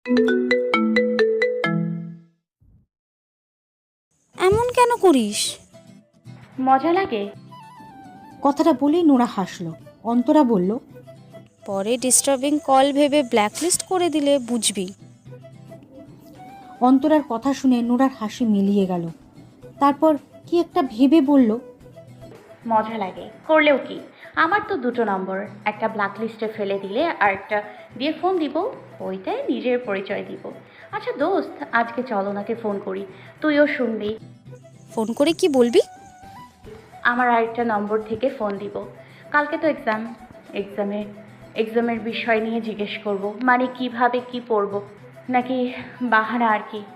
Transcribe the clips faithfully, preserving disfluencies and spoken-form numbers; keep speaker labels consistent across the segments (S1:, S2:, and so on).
S1: এমন কেন করিস?
S2: মজা লাগে।
S3: কথাটা বলেই নোরা হাসলো। অন্তরা বলল,
S1: পরে ডিস্টার্বিং কল ভেবে ব্ল্যাকলিস্ট করে দিলে বুঝবি।
S3: অন্তরার কথা শুনে নোরার হাসি মিলিয়ে গেল। তারপর কি একটা ভেবে বলল,
S2: মজা লাগে করলেও কি, আমার তো দুটো নম্বর, একটা ব্ল্যাক লিস্টে ফেলে দিলে আর একটা দিয়ে ফোন দিব, ওইটাই নিজের পরিচয় দিব। আচ্ছা দোস্ত, আজকে চল ওনাকে ফোন করি, তুইও শুনবি।
S1: ফোন করে কি বলবি?
S2: আমার আরেকটা নম্বর থেকে ফোন দিব। কালকে তো এক্সাম, এক্সামে এক্সামের বিষয় নিয়ে জিজ্ঞেস করব, মানে কিভাবে কি পড়ব, নাকি বাহানা আর কি।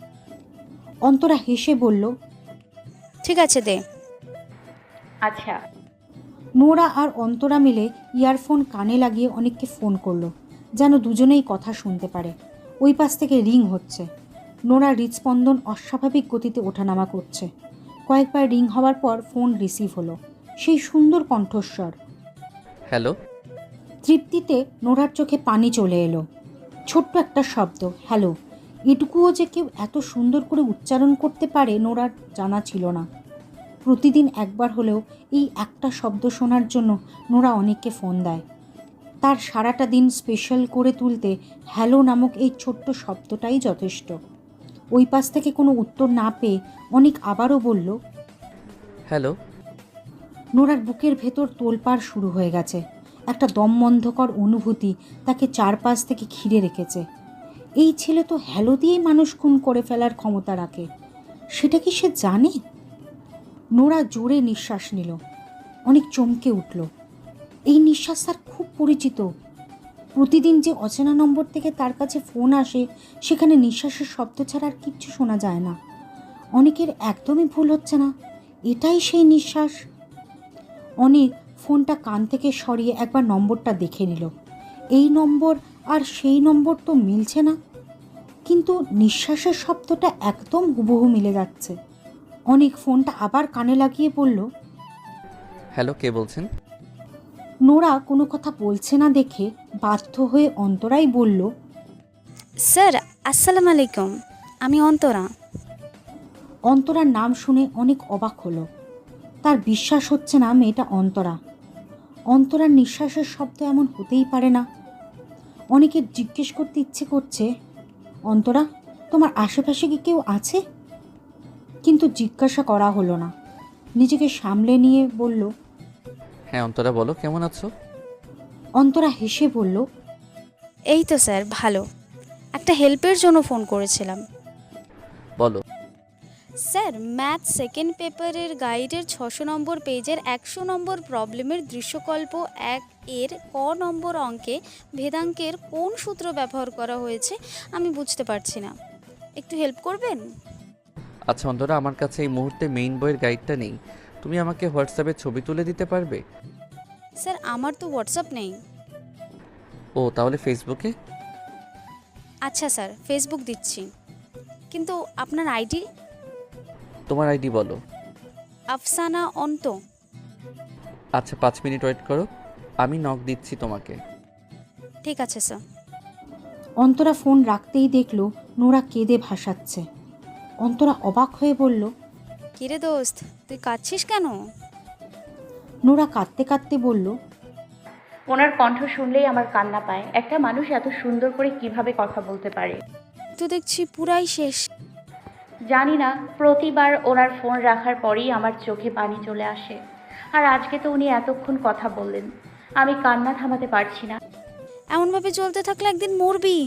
S3: অন্তরা হেসে বলল,
S1: ঠিক আছে দে।
S2: আচ্ছা।
S3: নোরা আর অন্তরা মিলে ইয়ারফোন কানে লাগিয়ে অনেককে ফোন করলো, যেন দুজনেই কথা শুনতে পারে। ওই পাশ থেকে রিং হচ্ছে। নোরা হৃদস্পন্দন অস্বাভাবিক গতিতে ওঠানামা করছে। কয়েকবার রিং হওয়ার পর ফোন রিসিভ হলো। সেই সুন্দর কণ্ঠস্বর।
S4: হ্যালো।
S3: তৃপ্তিতে নোরার চোখে পানি চলে এলো। ছোট্ট একটা শব্দ, হ্যালো, এটুকুও যে কেউ এত সুন্দর করে উচ্চারণ করতে পারে নোরার জানা ছিল না। প্রতিদিন একবার হলেও এই একটা শব্দ শোনার জন্য নোরা অনেককে ফোন দেয়। তার সারাটা দিন স্পেশাল করে তুলতে হ্যালো নামক এই ছোট্ট শব্দটাই যথেষ্ট। ওই পাশ থেকে কোনো উত্তর না পেয়ে অনেক আবারও বলল,
S4: হ্যালো।
S3: নোরার বুকের ভেতর তোলপাড় শুরু হয়ে গেছে। একটা দমবন্ধকর অনুভূতি তাকে চারপাশ থেকে ঘিরে রেখেছে। এই ছেলে তো হ্যালো দিয়েই মানুষ খুন করে ফেলার ক্ষমতা রাখে। সেটা কি সে জানে? নোরা জোরে নিঃশ্বাস নিল। অনেক চমকে উঠল। এই নিঃশ্বাস তার খুব পরিচিত। প্রতিদিন যে অচেনা নম্বর থেকে তার কাছে ফোন আসে, সেখানে নিঃশ্বাসের শব্দ ছাড়া আর কিচ্ছু শোনা যায় না। অনেকের একদমই ভুল হচ্ছে না, এটাই সেই নিঃশ্বাস। অনেক ফোনটা কান থেকে সরিয়ে একবার নম্বরটা দেখে নিল। এই নম্বর আর সেই নম্বর তো মিলছে না, কিন্তু নিঃশ্বাসের শব্দটা একদম হুবহু মিলে যাচ্ছে। অনেক ফোনটা আবার কানে লাগিয়ে বলল,
S4: হ্যালো, কে বলছেন?
S3: নোরা কোনো কথা বলছে না দেখে বাধ্য হয়ে অন্তরাই বলল,
S1: স্যার আসসালামু আলাইকুম, আমি অন্তরা।
S3: অন্তরার নাম শুনে অনেক অবাক হলো। তার বিশ্বাস হচ্ছে না মেয়েটা অন্তরা। অন্তরার নিঃশ্বাসের শব্দ এমন হতেই পারে না। অনেকের জিজ্ঞেস করতে ইচ্ছে করছে, অন্তরা, তোমার আশেপাশে কি কেউ আছে? কিন্তু জিজ্ঞাসা করা হলো না। নিজেকে সামলে নিয়ে বলল,
S4: হ্যাঁ অন্তরা, বলো কেমন আছো?
S3: অন্তরা হেসে বলল,
S1: এই তো স্যার ভালো, একটা হেল্পের জন্য ফোন করেছিলাম।
S4: বলো।
S1: স্যার ম্যাথ সেকেন্ড পেপারের গাইডের ছশো নম্বর পেজের একশো নম্বর প্রবলেমের দৃশ্যকল্প এক এর ক নম্বর অঙ্কে ভেদাঙ্কের কোন সূত্র ব্যবহার করা হয়েছে আমি বুঝতে পারছি না, একটু হেল্প করবেন?
S4: আচ্ছা অন্তরা, আমার কাছে এই মুহূর্তে মেইন বইয়ের গাইডটা নেই। তুমি আমাকে হোয়াটসঅ্যাপে ছবি তুলে দিতে পারবে?
S1: স্যার আমার তো হোয়াটসঅ্যাপ নেই।
S4: ও, তাহলে ফেসবুকে?
S1: আচ্ছা স্যার, ফেসবুক দিচ্ছি, কিন্তু আপনার আইডি?
S4: তোমার আইডি বলো।
S1: আফসানা অন্ত।
S4: আচ্ছা, পাঁচ মিনিট ওয়েট করো, আমি নক দিচ্ছি তোমাকে।
S1: ঠিক আছে স্যার।
S3: অন্তরা ফোন রাখতেই দেখল নোরা কেঁদে ভাসাচ্ছে। অন্তরা অবাক হয়ে বলল,
S1: কিরে দোস্ত, তুই কাঁদছিস কেন?
S3: নোরা কাঁদতে কাঁদতে বলল,
S2: ওনার কণ্ঠ শুনলেই আমার কান্না পায়। একটা মানুষ এত সুন্দর করে কিভাবে কথা বলতে পারে?
S1: তো দেখছি পুরাই শেষ।
S2: জানি না, প্রতিবার ওনার ফোন রাখার পরেই আমার চোখে পানি চলে আসে। আর আজকে তো উনি এতক্ষণ কথা বললেন, আমি কান্না থামাতে পারছি না।
S1: এমনভাবে চলতে থাকলে একদিন মরবি।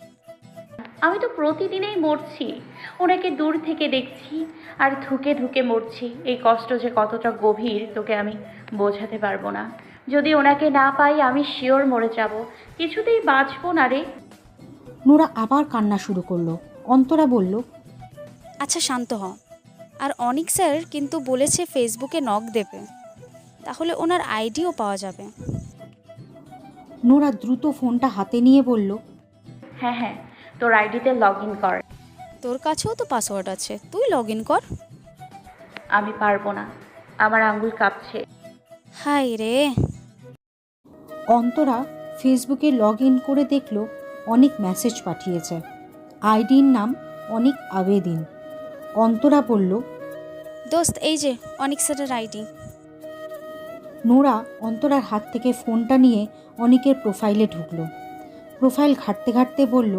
S2: আমি তো প্রতিদিনেই মরছি, ওনাকে দূর থেকে দেখছি আর ধুকে ধুকে মরছি। এই কষ্ট যে কতটা গভীর তোকে আমি বোঝাতে পারবো না। যদি ওনাকে না পাই আমি শিওর মরে যাব, কিছুতেই বাঁচবো না রে।
S3: নোরা আবার কান্না শুরু করলো। অন্তরা বলল,
S1: আচ্ছা শান্ত হ। আর অনিক স্যার কিন্তু বলেছে ফেসবুকে নক দেবে, তাহলে ওনার আইডিও পাওয়া যাবে।
S3: নোরা দ্রুত ফোনটা হাতে নিয়ে বলল,
S2: হ্যাঁ হ্যাঁ, তোর আইডিতে লগ ইন কর।
S1: তোর কাছেও তো পাসওয়ার্ড আছে, তুই লগ ইন কর।
S2: আমি পারবো না, আমার আঙ্গুল কাঁপছে।
S1: হাই রে।
S3: অন্তরা ফেসবুকে লগ ইন করে দেখল অনেক মেসেজ পাঠিয়েছে। আইডির নাম অনেক আবেদিন। অন্তরা বলল,
S1: দোস্ত এই যে অনিক স্যারের আইডি।
S3: নোরা অন্তরার হাত থেকে ফোনটা নিয়ে অনেকের প্রোফাইলে ঢুকলো। প্রোফাইল ঘাঁটতে ঘাঁটতে বলল,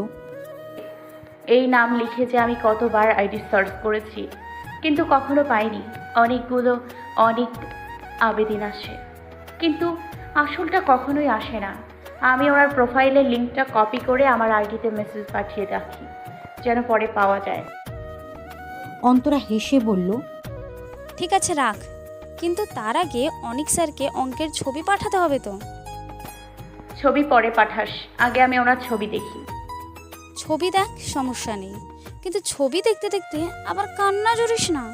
S2: এই নাম লিখে যে আমি কতবার আইডি সার্চ করেছি, কিন্তু কখনো পাইনি। অনেকগুলো অনেক আবেদিন আসে, কিন্তু আসলটা কখনোই আসে না। আমি ওনার প্রোফাইলের লিঙ্কটা কপি করে আমার আইডিতে মেসেজ পাঠিয়ে রাখি, যেন পরে পাওয়া যায়।
S3: অন্তরা হেসে বলল,
S1: ঠিক আছে রাখ, কিন্তু তার আগে অনিক স্যারকে অঙ্কের ছবি পাঠাতে হবে তো।
S2: ছবি পরে পাঠাস, আগে আমি ওনার ছবি দেখি।
S1: ছবি দেখ, সমস্যা নেই, কিন্তু ছবি দেখতে দেখতে আবার কান্না জড়িস না।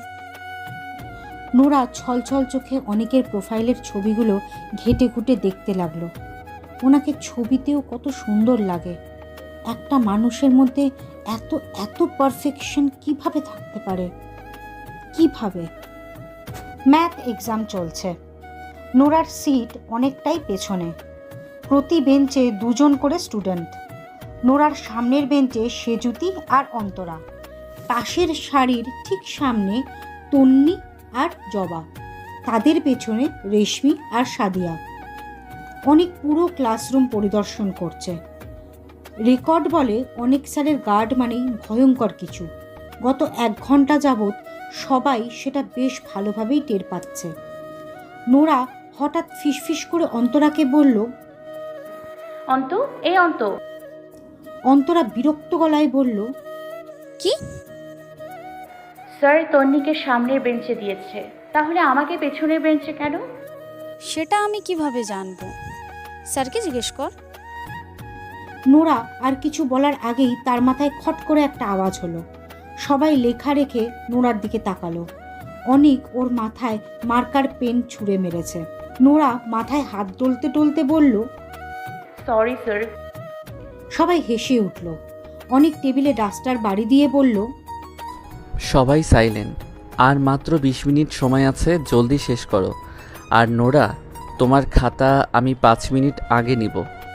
S3: নোরা ছলছল চোখে অনেকের প্রোফাইলের ছবিগুলো ঘেটে ঘুটে দেখতে লাগলো। ওনাকে ছবিতেও কত সুন্দর লাগে। একটা মানুষের মধ্যে এত এত পারফেকশন কিভাবে থাকতে পারে? কিভাবে? ম্যাথ এক্সাম চলছে। নোরার সিট অনেকটাই পেছনে। প্রতি বেঞ্চে দুজন করে স্টুডেন্ট। নোরার সামনের বেঞ্চে সেজুতি আর অন্তরা। পাশের সারির ঠিক সামনে তন্নি আর জবা। তাদের পেছনে রেশমি আর সাদিয়া। অনেক পুরো ক্লাসরুম পরিদর্শন করছে। রেকর্ড বলে অনেক স্যারের গার্ড মানেই ভয়ঙ্কর কিছু। গত এক ঘন্টা যাবৎ সবাই সেটা বেশ ভালোভাবেই টের পাচ্ছে। নোরা হঠাৎ ফিসফিস করে অন্তরাকে বলল,
S2: অন্ত, এই অন্ত।
S3: অন্তরা বিরক্ত গলায় বলল,
S1: কি?
S2: স্যার তন্নিকে সামনের বেঞ্চে দিয়েছে, তাহলে আমাকে পেছনের বেঞ্চে কেন?
S1: সেটা আমি কিভাবে জানবো? স্যারকে জিজ্ঞেস কর।
S3: নোরা আর কিছু বলার আগেই তার মাথায় খট করে একটা আওয়াজ হলো। সবাই লেখা রেখে নোরার দিকে তাকালো। অনিক ওর মাথায় মার্কার পেন ছুঁড়ে মেরেছে। নোরা মাথায় হাত ডলতে ডলতে বলল,
S2: সরি স্যার।
S3: সবাই হেসে উঠল। অনেক টেবিলে ডাস্টার বাড়ি দিয়ে বলল,
S4: সবাই সাইলেন্ট। আর মাত্র বিশ মিনিট সময় আছে, জলদি শেষ করো। আর নোরা, তোমার খাতা আমি পাঁচ মিনিট আগে নিব।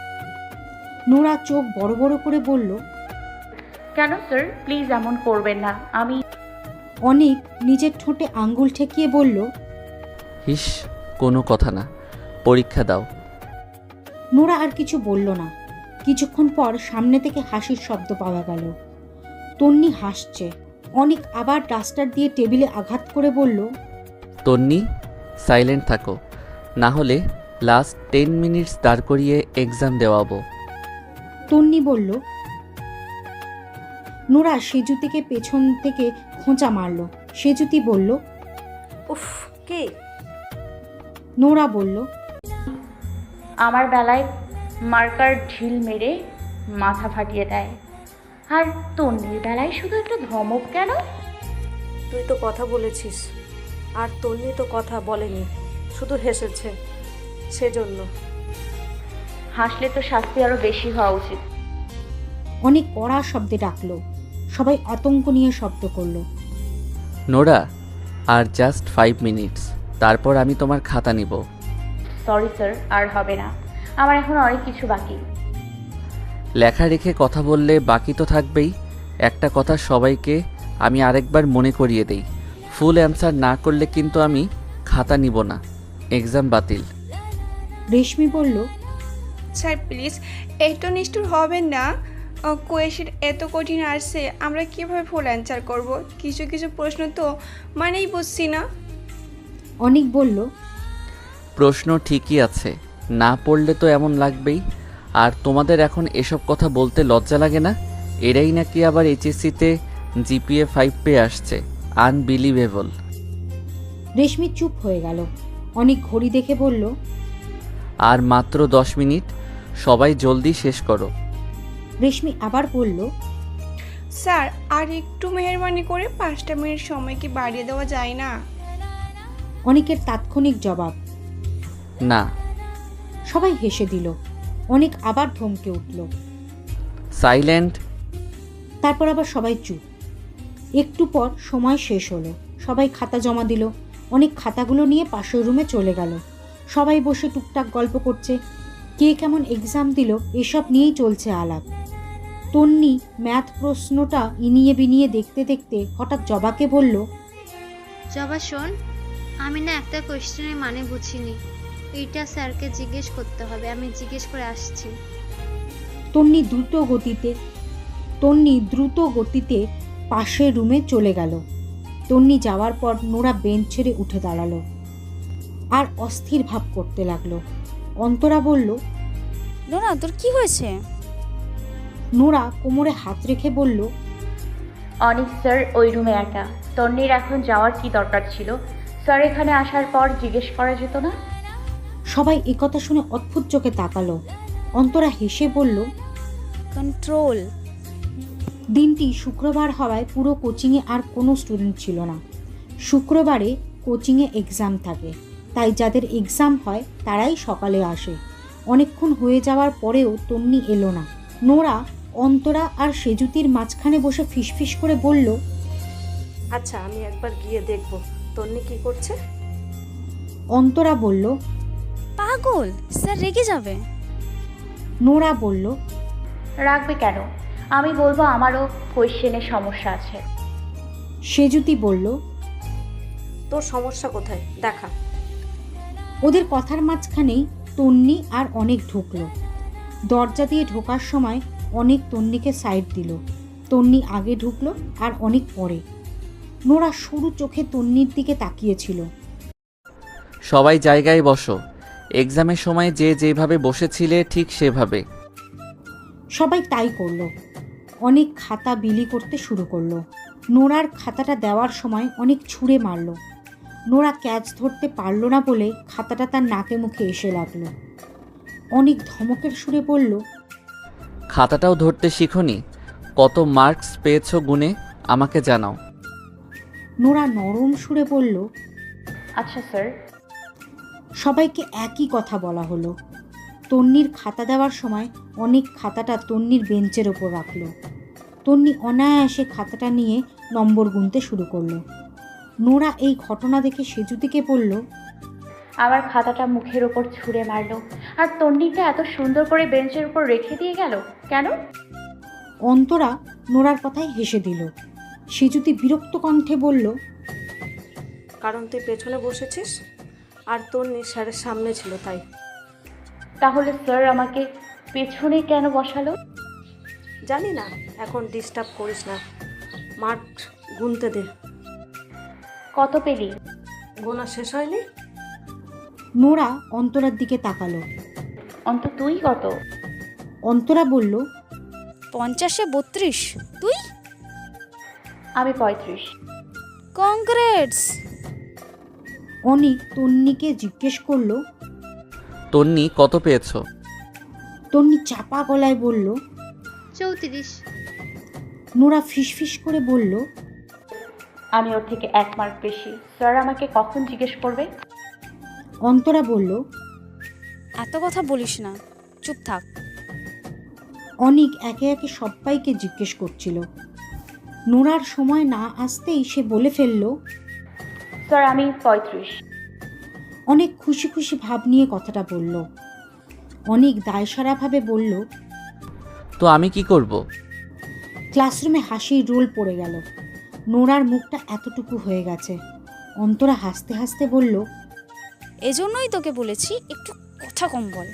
S3: নোরা চোখ বড় বড় করে বলল,
S2: কেন স্যার? প্লিজ এমন করবেন না। আমি
S3: অনেক নিজের ঠোঁটে আঙ্গুল ঠেকিয়ে বলল,
S4: হিস, কোনো কথা না, পরীক্ষা দাও।
S3: নোরা আর কিছু বলল না। কিছুক্ষণ পর সামনে থেকে হাসির শব্দ পাওয়া গেল। তন্নি হাসছে। অনেক আবার ডাস্টার দিয়ে টেবিলে আঘাত করে বলল,
S4: তন্নি, সাইলেন্ট থাকো, না হলে লাস্ট টেন মিনিটস দাঁড় করিয়ে এক্সাম দেওয়াবো।
S3: তন্নি বলল। নোরা সেজুতিকে পেছন থেকে খোঁচা মারল। সেজুতি বলল,
S5: উফ, কে?
S3: নোরা বলল,
S2: আমার বেলায় মার্কার ঢিল মেরে মাথা ফাটিয়ে দেয়, আর তন্নির বেলায় শুধু একটা ধমক কেন?
S5: তুই তো কথা বলেছিস, আর তন্নি তো কথা বলেনি, শুধু হেসেছে, সেজন্য।
S2: হাসলে তো শাস্তি আরো বেশি হওয়া উচিত।
S3: অনেক কড়া শব্দে ডাকলো। সবাই আতঙ্ক নিয়ে শব্দ করলো।
S4: নোরা, আর জাস্ট ফাইভ মিনিটস, তারপর আমি তোমার খাতা নিব।
S2: সরি স্যার, আর হবে না। আমার এখন অনেক কিছু বাকি।
S4: লেখা রেখে কথা বললে বাকি তো থাকবেই। একটা কথা সবাইকে আমি আরেকবার মনে করিয়ে দেই, ফুল অ্যান্সার না করলে কিন্তু আমি খাতা নিব না, এক্সাম বাতিল।
S3: রেশমি বলল,
S6: স্যার প্লিজ এত নিষ্ঠুর হবেন না। কোয়েশ্চেন এত কঠিন আসছে, আমরা কীভাবে ফুল অ্যান্সার করব? কিছু কিছু প্রশ্ন তো মানেই বুঝছি না।
S3: অনেক বলল,
S4: প্রশ্ন ঠিকই আছে, না পড়লে তো এমন লাগবেই। আর তোমাদের এখন এসব কথা বলতে লজ্জা লাগে না? এরাই নাকি আবার এইচএসসিতে জিপিএ ফাইভ পেয়ে আসছে, আনবিলিভেবল।
S3: রেশমি চুপ হয়ে গেল। অনেক ঘড়ি দেখে বলল,
S4: আর মাত্র দশ মিনিট, সবাই জলদি শেষ করো।
S3: রেশমি আবার বলল,
S6: স্যার আর একটু মেহরবানি করে পাঁচটা মিনিট সময় কি বাড়িয়ে দেওয়া যায় না?
S3: অনেকের তাৎক্ষণিক জবাব,
S4: না।
S3: সবাই হেসে দিল। অনেক আবার ধমকে উঠল।
S4: সাইলেন্ট।
S3: তারপর আবার সবাই চুপ। একটু পর সময় শেষ হলো। সবাই খাতা জমা দিল। অনেক খাতাগুলো নিয়ে পাশের রুমে চলে গেল। সবাই বসে টুকটাক গল্প করছে। কে কেমন এক্সাম দিল এসব নিয়েই চলছে আলাপ। তন্নি ম্যাথ প্রশ্নটা ইনিয়ে বিনিয়ে দেখতে দেখতে হঠাৎ জবাকে বলল,
S7: জবা শোন, আমি না একটা কোয়েশ্চেনের মানে বুঝিনি, এইটা স্যারকে জিজ্ঞেস করতে হবে, আমি জিজ্ঞেস করে আসছি।
S3: তন্নি দ্রুত গতিতে তন্নি দ্রুত গতিতে পাশের রুমে চলে গেল। তন্নি যাওয়ার পর নোরা বেঞ্চ ছেড়ে উঠে দাঁড়ালো আর অস্থির ভাব করতে লাগলো। অন্তরা বলল,
S1: নোরা তোর কি হয়েছে?
S3: নোরা কোমরে হাত রেখে বলল,
S2: অনিক স্যার ওই রুমে একা। তন্নির এখন যাওয়ার কি দরকার ছিল? স্যার এখানে আসার পর জিজ্ঞেস করা যেত না?
S3: সবাই একথা শুনে অদ্ভুত চোখে তাকালো। অন্তরা হেসে বলল,
S1: কন্ট্রোল।
S3: দিনটি শুক্রবার হওয়ায় পুরো কোচিংয়ে আর কোনো স্টুডেন্ট ছিল না। শুক্রবারে কোচিংয়ে এক্সাম থাকে, তাই যাদের এক্সাম হয় তারাই সকালে আসে। অনেকক্ষণ হয়ে যাওয়ার পরেও তন্নি এলো না। নোরা, অন্তরা আর সেজুতির মাঝখানে বসে ফিসফিস করে বলল,
S5: আচ্ছা আমি একবার গিয়ে দেখব তন্নি কি করছে।
S3: অন্তরা বলল,
S1: পাগল, স্যার রেগে যাবে।
S3: নোরা বলল,
S2: রাখবে কেন? আমি বলবো আমারও কোয়েশ্চেনের সমস্যা আছে।
S3: সেজুতি বলল,
S5: তোর সমস্যা কোথায় দেখা।
S3: ওদের কথার মাঝখানেই তন্নি আর অনেক ঢুকলো। দরজা দিয়ে ঢোকার সময় অনেক তন্নিকে সাইড দিল। তন্নি আগে ঢুকলো আর অনেক পরে। নোরা সরু চোখে তন্নির দিকে তাকিয়েছিল।
S4: সবাই জায়গায় বসো। এক্সামের সময় যে যেভাবে বসেছিলে ঠিক সেভাবে।
S3: সবাই তাই করলো। অনেক খাতা বিলি করতে শুরু করলো। নোরার খাতাটা দেওয়ার সময় অনেক ছুঁড়ে মারল। নোরা ক্যাচ ধরতে পারল না বলে খাতাটা তার নাকে মুখে এসে লাগলো। অনেক ধমকের সুরে বলল,
S4: খাতাটাও ধরতে শিখোনি? কত মার্কস পেয়েছো গুনে আমাকে জানাও।
S3: নোরা নরম সুরে বলল,
S2: আচ্ছা স্যার।
S3: সবাইকে একই কথা বলা হলো। তন্নির খাতা দেওয়ার সময় অনেক খাতাটা তন্নির বেঞ্চের ওপর রাখলো। তন্নি অনায়াসে খাতাটা নিয়ে নম্বর গুনতে শুরু করলো। নোরা এই ঘটনা দেখে সেজুতিকে বলল,
S2: আমার খাতাটা মুখের ওপর ছুঁড়ে মারলো, আর তন্নিটা এত সুন্দর করে বেঞ্চের উপর রেখে দিয়ে গেল কেন?
S3: অন্তরা নোরার কথায় হেসে দিল। সেজুতি বিরক্ত কণ্ঠে বলল,
S5: কারণ তুই পেছনে বসেছিস আর তন্নি স্যারের সামনে ছিল তাই।
S2: তাহলে স্যার আমাকে পেছনে কেন বসালো?
S5: জানি না, এখন ডিস্টার্ব করিস না, মার্ক গুনতে দে।
S2: কত পেলি?
S5: গোনা শেষ হয়নি।
S3: নোরা অন্তরার দিকে তাকালো।
S2: অন্ত তুই কত?
S3: অন্তরা বলল,
S1: পঞ্চাশে বত্রিশ। তুই?
S2: আমি পঁয়ত্রিশ।
S1: কংগ্রেটস।
S3: অনিক তন্নিকে জিজ্ঞেস করলো।
S4: তন্নি কত পেয়েছো?
S3: তন্নি চাপা গলায় বলল।
S7: চৌত্রিশ।
S3: নোরা ফিসফিস করে বলল,
S2: আমি ওর থেকে এক মার্ক বেশি। স্যার আমাকে কখন জিজ্ঞেস করবে?
S3: অন্তরা বলল।
S1: এত কথা বলিস না, চুপ থাক।
S3: অনিক একে একে সবাইকে জিজ্ঞেস করছিল। নোরার সময় না আসতেই সে বলে ফেলল,
S2: স্যার আমি পঁয়ত্রিশ।
S3: অনেক খুশি খুশি ভাব নিয়ে কথাটা বলল। অনেক দায়সারাভাবে বলল,
S4: তো আমি কি করব?
S3: ক্লাসরুমে হাসির রোল পড়ে গেল। নোরার মুখটা এতটুকু হয়ে গেছে। অন্তরা হাসতে হাসতে বলল,
S1: এজন্যই তোকে বলেছি একটু কথা কম বল।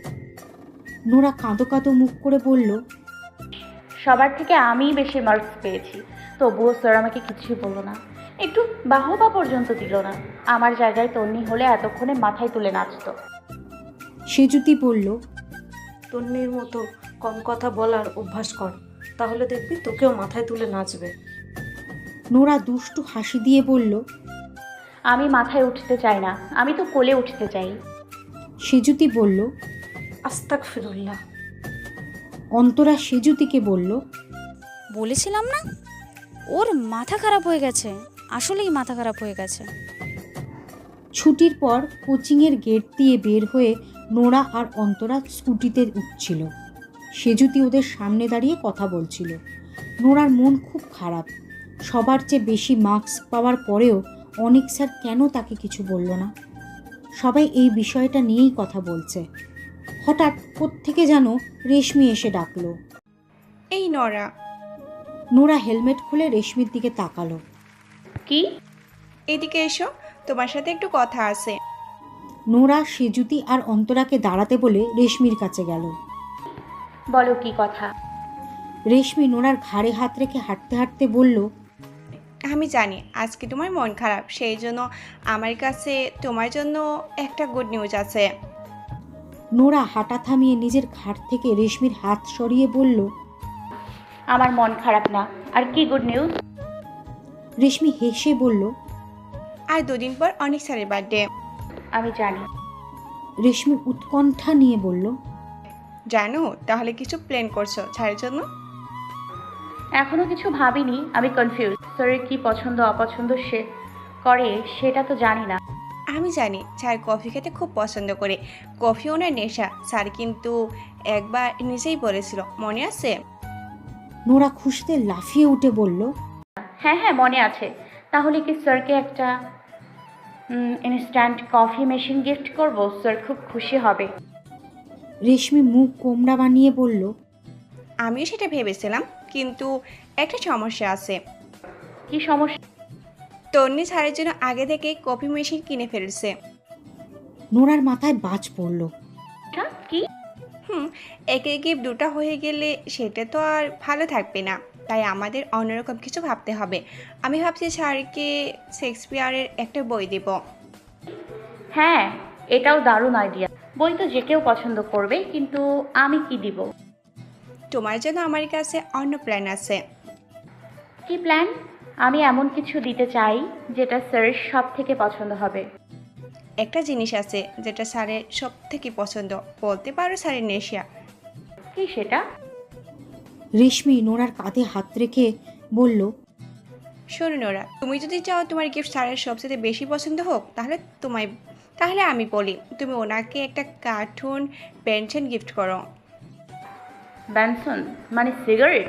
S3: নোরা কাঁদো কাঁদো মুখ করে বলল,
S2: সবার থেকে আমিই বেশি মার্কস পেয়েছি, তবুও স্যার আমাকে কিছুই বললো না, একটু বাহবা পর্যন্ত দিল না। আমার জায়গায় তন্নি হলে এতক্ষণে মাথায় তুলে নাচতো।
S3: সেজুতি বলল,
S5: তন্নির মতো কম কথা বলার অভ্যাস কর, তাহলে দেখবি তোকেও মাথায় তুলে নাচবে।
S3: নোরা দুষ্টু হাসি দিয়ে বলল,
S2: আমি মাথায় উঠতে চাই না, আমি তো কোলে উঠতে চাই।
S3: সেজুতি বলল,
S5: আস্তাক ফিরুল্লাহ।
S3: অন্তরা সেজুতিকে বলল,
S1: বলেছিলাম না, ওর মাথা খারাপ হয়ে গেছে, আসলেই মাথা খারাপ হয়ে গেছে।
S3: ছুটির পর কোচিংয়ের গেট দিয়ে বের হয়ে নোরা আর অন্তরা স্কুটিতে উঠছিল। সেজুতি ওদের সামনে দাঁড়িয়ে কথা বলছিল। নোরার মন খুব খারাপ। সবার চেয়ে বেশি মার্কস পাওয়ার পরেও অনিক স্যার কেন তাকে কিছু বলল না? সবাই এই বিষয়টা নিয়েই কথা বলছে। হঠাৎ কোত্থেকে যেন রেশমি এসে ডাকলো।
S6: এই নরা,
S3: নোরা হেলমেট খুলে রেশমির দিকে তাকালো।
S2: কি?
S6: এদিকে এসো, তোমার সাথে একটু কথা আছে।
S3: নোরা সেজুতি আর অন্তরাকে দাঁড়াতে বলে রেশমির কাছে গেল।
S2: বলো কি কথা?
S3: রেশমি নোরার ঘাড়ে হাত রেখে হাঁটতে হাঁটতে বলল,
S6: আমি জানি আজকে তোমার মন খারাপ, সেই জন্য আমার কাছে তোমার জন্য একটা গুড নিউজ আছে।
S3: নোরা হাঁটা থামিয়ে নিজের ঘাট থেকে রেশমির হাত সরিয়ে বলল,
S2: আমার মন খারাপ না। আর কি গুড নিউজ?
S3: রেশমি হেসে বলল,
S6: আর দুদিন পর অনেক স্যারের বার্থডে।
S2: আমি জানি।
S3: রেশমি উৎকণ্ঠা নিয়ে বলল,
S6: জানো? তাহলে কিছু প্ল্যান করছো স্যারের জন্য?
S2: এখনো কিছু ভাবিনি, আমি কনফিউজ। স্যারের কি পছন্দ অপছন্দ সে করে সেটা তো জানি না।
S6: আমি জানি স্যার কফি খেতে খুব পছন্দ করে, কফি ওনার নেশা। স্যার কিন্তু একবার নিজেই বলেছিল, মনে আছে?
S3: নোরা খুশিতে লাফিয়ে উঠে বলল,
S2: হ্যাঁ হ্যাঁ মনে আছে। তাহলে কি স্যারকে একটা ইনস্ট্যান্ট কফি মেশিন গিফট করব? স্যার খুব খুশি হবে।
S3: রেশমি মুখ কোমড়া বানিয়ে বলল,
S6: আমিও সেটা ভেবেছিলাম, কিন্তু একটা সমস্যা আছে।
S2: কি সমস্যা?
S6: তন্নি স্যারের জন্য আগে থেকে কফি মেশিন কিনে ফেলছে।
S3: নোরার মাথায় বাজ পড়ল।
S2: কি?
S6: হুম একে গিফট দুটো হয়ে গেলে সেটা তো আর ভালো থাকবে না, তাই আমাদের অন্যরকম কিছু ভাবতে হবে। আমি ভাবছি স্যারকে শেক্সপিয়ারের একটা বই দেব।
S2: হ্যাঁ, এটাও দারুণ আইডিয়া। বই তো যে কেউ পছন্দ করবে, কিন্তু আমি কি দিব?
S6: তোমার জন্য আমার কাছে অন্য প্ল্যান আছে।
S2: কি প্ল্যান? আমি এমন কিছু দিতে চাই যেটা স্যারের সব থেকে পছন্দ হবে।
S6: একটা জিনিস আছে যেটা স্যারের সব থেকে পছন্দ, বলতে পারো স্যারের নেশা।
S2: কি সেটা?
S3: রেশমি নোরার কাঁধে হাত রেখে বলল,
S6: শোনো নোরা, তুমি যদি চাও তোমার গিফট স্যারের সবচেয়ে বেশি পছন্দ হোক, তাহলে তোমায় তাহলে আমি বলি তুমি ওনাকে একটা কার্টুন পেনশন গিফট করো।
S2: ব্যানসন মানে সিগারেট?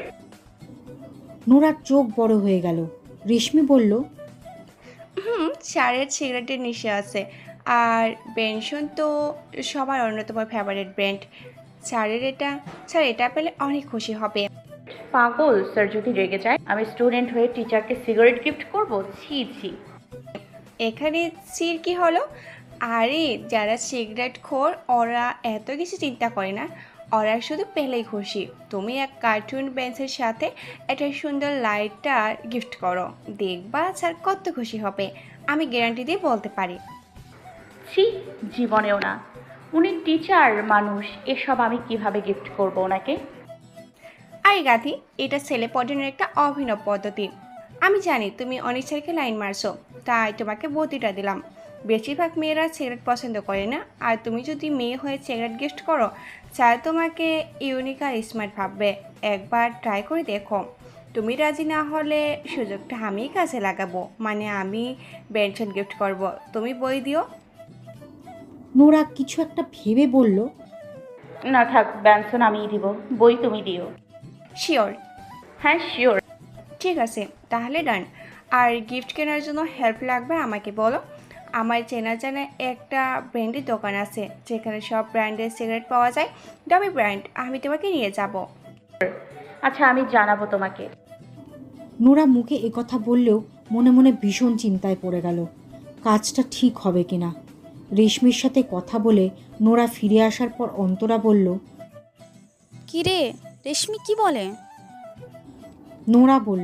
S3: নোরার চোখ বড় হয়ে গেল। রেশমি বলল,
S6: হুম স্যারের সিগারেটের নেশা আছে, আর বেনসন তো সবার অন্যতম ফেভারিট ব্র্যান্ড। স্যারের এটা স্যার এটা পেলে অনেক খুশি হবে।
S2: পাগল, স্যার যদি রেগে যায়? আমি স্টুডেন্ট হয়ে টিচারকে সিগারেট গিফট করব? ছি ছি।
S6: এখানে সির কি হলো? আরে যারা সিগারেট খোর ওরা এত কিছু চিন্তা করে না, ওরা শুধু পেলেই খুশি। তুমি এক কার্টুন বেঞ্চের সাথে একটা সুন্দর লাইটার গিফট করো, দেখবা স্যার কত খুশি হবে। আমি গ্যারান্টি দিয়ে বলতে পারি।
S2: ছি, জীবনেও না। উনি টিচার মানুষ, এসব আমি কিভাবে গিফট করব ওনাকে?
S6: আরে গাধি, এটা ছেলে পটানোর একটা অভিনব পদ্ধতি। আমি জানি তুমি অনেক ছেলেকে লাইন মারছো, তাই তোমাকে বুদ্ধিটা দিলাম। বেশিরভাগ মেয়েরা সিগারেট পছন্দ করে না, আর তুমি যদি মেয়ে হয়ে সিগারেট গিফট করো, স্যার তোমাকে ইউনিক আর স্মার্ট ভাববে। একবার ট্রাই করে দেখো। তুমি রাজি না হলে সুযোগটা আমিই কাজে লাগাবো, মানে আমি বেনশন গিফট করব, তুমি বই দিও।
S3: নোরা কিছু একটা ভেবে বলল,
S2: না থাক, ব্যানসন আমিই দিব, বই তুমি দিও।
S6: শিওর?
S2: হ্যাঁ শিওর।
S6: ঠিক আছে, তাহলে ডান। আর গিফট কেনার জন্য হেল্প লাগবে আমাকে বলো। আমার চেনা জানা একটা ব্র্যান্ডের দোকান আছে যেখানে সব ব্র্যান্ডের সিগারেট পাওয়া যায়, দামি ব্র্যান্ড। আমি তোমাকে নিয়ে যাব।
S2: আচ্ছা, আমি জানাবো তোমাকে।
S3: নোরা মুখে একথা বললেও মনে মনে ভীষণ চিন্তায় পড়ে গেল, কাজটা ঠিক হবে কিনা। রেশমির সাথে কথা বলে নোরা ফিরে আসার পর অন্তরা বলল,
S1: কি রে, রেশমি কি বলে?
S3: নোরা বলল,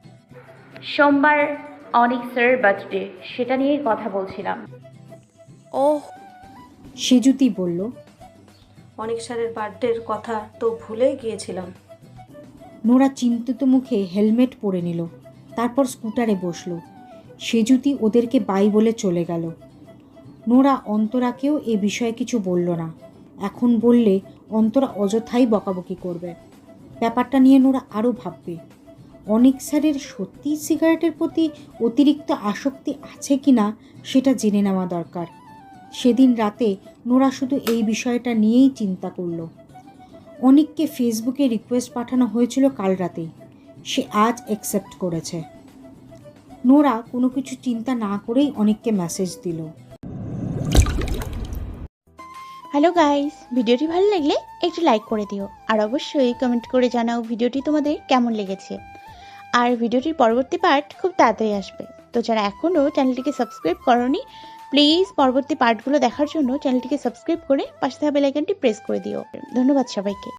S2: সোমবার অনিক স্যারের বার্থডে, সেটা নিয়েই কথা বলছিলাম।
S1: ওহ,
S3: সেজুতি বলল,
S5: অনেক স্যারের বার্থডের কথা তো ভুলেই গিয়েছিলাম।
S3: নোরা চিন্তিত মুখে হেলমেট পরে নিল, তারপর স্কুটারে বসল। সেজুতি ওদেরকে বাই বলে চলে গেল। নোরা অন্তরাকেও এ বিষয়ে কিছু বলল না। এখন বললে অন্তরা অযথাই বকাবকি করবে। ব্যাপারটা নিয়ে নোরা আরও ভাববে। অনিক স্যারের সত্যিই সিগারেটের প্রতি অতিরিক্ত আসক্তি আছে কি না সেটা জেনে নেওয়া দরকার। সেদিন রাতে নোরা শুধু এই বিষয়টা নিয়েই চিন্তা করল। অনিককে ফেসবুকে রিকোয়েস্ট পাঠানো হয়েছিল কাল রাতেই, সে আজ অ্যাকসেপ্ট করেছে। নোরা কোনো কিছু চিন্তা না করেই অনিককে মেসেজ দিল।
S8: হ্যালো গাইস, ভিডিওটি ভালো লাগলে একটু লাইক করে দিও আর অবশ্যই কমেন্ট করে জানাও ভিডিওটি তোমাদের কেমন লেগেছে। আর ভিডিওটির পরবর্তী পার্ট খুব তাড়াতাড়ি আসবে, তো যারা এখনও চ্যানেলটিকে সাবস্ক্রাইব করোনি প্লিজ পরবর্তী পার্টগুলো দেখার জন্য চ্যানেলটিকে সাবস্ক্রাইব করে পাশে থাকা বেল আইকনটি প্রেস করে দিও। ধন্যবাদ সবাইকে।